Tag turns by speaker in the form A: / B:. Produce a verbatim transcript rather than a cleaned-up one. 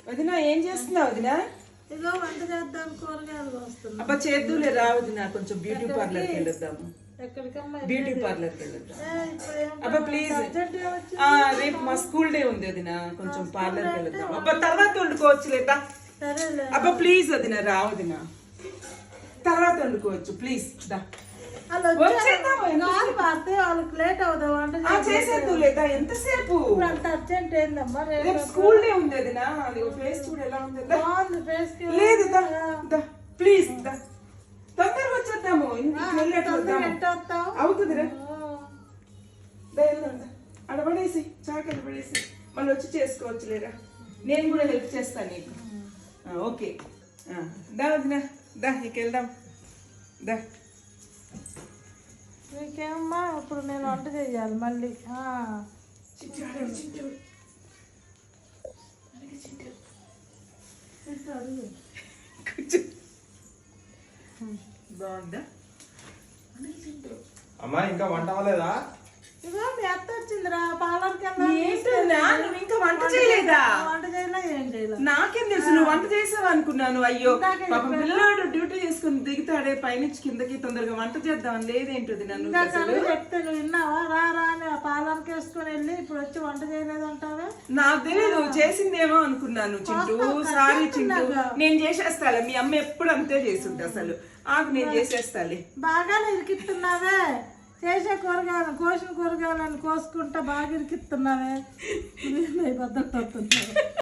A: వదినా ఏం చేస్తున్నావు వదినా?
B: ఇదో వంట చేద్దాం, కూరగాయలు వస్తున్నాం.
A: అబ్బా చేద్దులే రా వదినా, కొంచెం బ్యూటీ పార్లర్కి వెళ్ళొద్దాము.
B: ఎక్కడికమ్మా?
A: బ్యూటీ పార్లర్కి వెళ్ళొద్దాం.
B: ఇప్పుడు ఏం
A: అబ్బా ప్లీజ్, రేపు మా స్కూల్ డే ఉంది వదినా, కొంచెం పార్లర్కి వెళ్ళొద్దాం. అబ్బా తర్వాత వండుకోవచ్చు లేదా?
B: సరేలే.
A: అబ్బా ప్లీజ్ వదినా, రా వదినా, తర్వాత వండుకోవచ్చు ప్లీజ్. దా
B: వాళ్ళు
A: వచ్చేద్దాము.
B: కాలు పారితే వాళ్ళకి లేట్ అవుతావు వంట
A: ఆ చేసేద్దు లేదా? ఎంతసేపు?
B: ఇప్పుడు అంత అర్జెంట్ ఏందమ్మా?
A: రేపు స్కూల్ డే ఉంది వదినా, అది ఫేస్ చూడు ఎలా ఉంది. దా.
B: బాగుంది ఫేస్ కి.
A: లేదు దా దా ప్లీజ్ దా, తొందరగా వచ్చేద్దాము. ఇంటికి వెళ్ళేట్టు వద్దాము.
B: ఎంత వస్తావు?
A: అవుతుందిరా, దా వెళ్దాం. దా అడబడేసి చాక అడబడేసి మళ్ళీ వచ్చి చేసుకోవచ్చు లేరా? నేను కూడా హెల్ప్ చేస్తాను నీకు. ఓకే దా వదినా, దా ఇక వెళ్దాం. దా
B: నీకేమమ్మా ఇప్పుడు నేను వంట చేయాలి మళ్ళీ.
A: చిట్టు అడుగు, చిట్టు
B: అడుగు.
A: కూర్చో. బాగుందా?
C: అమ్మా ఇంకా వంట అవ్వలేదా?
B: ఇదిగో మీ అత్త వచ్చిందిరా, పార్లర్కి
A: ఏంటన్నా నువ్వు ఇంకా వంట చేయలేదా?
B: వంట చేయలే, ఏం చేయలే.
A: నాకేం తెలుసు నువ్వు వంట చేసావు అనుకున్నాను. అయ్యో పాపం పిల్లాడు డ్యూటీ చేసుకుని దిగుతాడే పైనుంచి కిందకి, తొందరగా వంట చేద్దాం లేదేంటది నన్ను అసలు.
B: చెప్తే నువ్వు విన్నావా? రా రా అని పార్లర్కి వేసుకొని వెళ్ళి ఇప్పుడు వచ్చి వంట చేయలేదంటావా?
A: నాకు తెలియదు, చేసిందేమో అనుకున్నాను. చింటూ సారీ చింటూ, నేను చేసేస్తాలే. మీ అమ్మ ఎప్పుడు అంతే చేస్తుంటా అసలు. ఆకు నేను చేసేస్తాలే.
B: బాగానే ఇరికిస్తున్నావే, చేసే కూరగాయలు కోసిన కూరగాయలను కోసుకుంటా బాగా ఇరికిస్తున్నావే. బద్దలు